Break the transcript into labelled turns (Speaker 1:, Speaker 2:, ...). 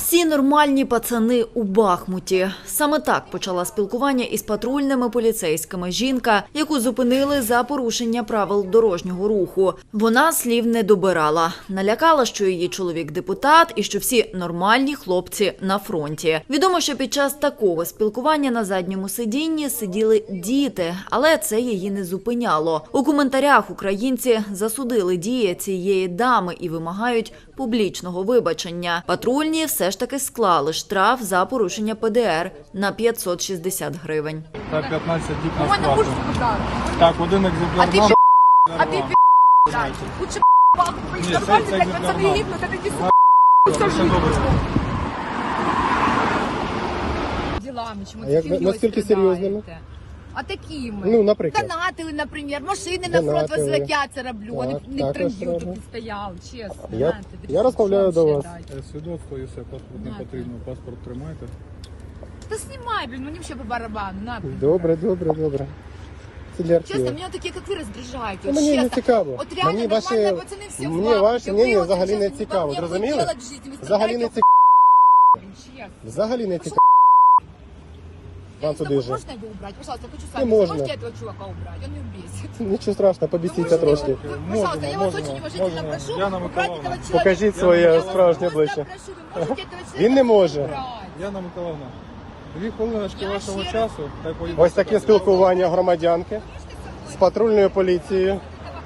Speaker 1: Всі нормальні пацани у Бахмуті. Саме так почала спілкування із патрульними поліцейськими жінка, яку зупинили за порушення правил дорожнього руху. Вона слів не добирала. Налякала, що її чоловік депутат і що всі нормальні хлопці на фронті. Відомо, що під час такого спілкування на задньому сидінні сиділи діти, але це її не зупиняло. У коментарях українці засудили дії цієї дами і вимагають публічного вибачення. Патрульні все ж таки склали штраф за порушення ПДР на 560 гривень.
Speaker 2: Та 15 діб
Speaker 3: У
Speaker 2: на
Speaker 3: мене
Speaker 2: сплату.
Speaker 3: муж сказав.
Speaker 2: Так, один екземпляр
Speaker 3: А
Speaker 2: нам.
Speaker 3: ти лучше
Speaker 2: Ні,
Speaker 3: нормально,
Speaker 2: це
Speaker 3: так
Speaker 2: екземпляр
Speaker 3: пацани
Speaker 2: нам.
Speaker 3: гибнуть, а такі
Speaker 2: Все добре.
Speaker 3: ділами, чому
Speaker 4: А як наскільки серйозними?
Speaker 3: А такими.
Speaker 4: Ну, наприклад.
Speaker 3: Донатили, наприклад, машини на фронт
Speaker 4: Донатили.
Speaker 3: возили, я це роблю,
Speaker 4: Так,
Speaker 3: вони не
Speaker 4: також
Speaker 3: транзиту
Speaker 4: роблю.
Speaker 3: тут стояли, чесно.
Speaker 4: Я
Speaker 3: знаєте,
Speaker 4: розмовляю
Speaker 3: що
Speaker 4: до
Speaker 3: вам
Speaker 4: вас.
Speaker 3: ще дати?
Speaker 2: Свідоцтво і все, паспорт не
Speaker 3: На,
Speaker 2: потрібно. Паспорт тримайте.
Speaker 3: Та знімай, блін, мені ще по барабану, на.
Speaker 4: Добре. Це для
Speaker 3: Чесно,
Speaker 4: архіву.
Speaker 3: мене такі, як ви, роздражають.
Speaker 4: Ну, мені не цікаво.
Speaker 3: От реально
Speaker 4: Мені
Speaker 3: нормальні
Speaker 4: ваші-
Speaker 3: пацани всі
Speaker 4: мені
Speaker 3: впали.
Speaker 4: ваше
Speaker 3: Ви
Speaker 4: мнення
Speaker 3: от
Speaker 4: взагалі
Speaker 3: зараз
Speaker 4: не цікаво,
Speaker 3: вам
Speaker 4: зрозуміли?
Speaker 3: нехуй делать в житті, ви
Speaker 4: Взагалі не
Speaker 3: страдаєте,
Speaker 4: цікаво.
Speaker 3: блін, чесно.
Speaker 4: Взагалі не цікаво.
Speaker 3: Я
Speaker 4: Вам
Speaker 3: не
Speaker 4: туди
Speaker 3: знаю,
Speaker 4: же.
Speaker 3: можно его убрать? Пожалуйста, хочу
Speaker 4: Не
Speaker 3: сами.
Speaker 4: можно.
Speaker 3: Можете этого чувака убрать? Он меня бесит.
Speaker 4: Нічого страшного, побісіться трошки.
Speaker 3: Пожалуйста, я вас
Speaker 2: Можемо,
Speaker 3: очень уважительно
Speaker 2: можемо.
Speaker 3: прошу
Speaker 2: Яна
Speaker 3: убрать
Speaker 2: Миколаївна.
Speaker 3: этого человека.
Speaker 4: Покажіть
Speaker 3: Я
Speaker 4: своє
Speaker 3: вас
Speaker 4: справжнє
Speaker 3: просто
Speaker 4: обличчя.
Speaker 3: прошу, ви можете этого человека
Speaker 4: Він не може.
Speaker 3: убрать?
Speaker 2: Яна Миколаївна, 2 хвилиночки
Speaker 3: Я
Speaker 2: вашого
Speaker 3: ще-
Speaker 2: часу. Та й поїдемо.
Speaker 4: Ось таке спілкування громадянки з патрульною поліцією.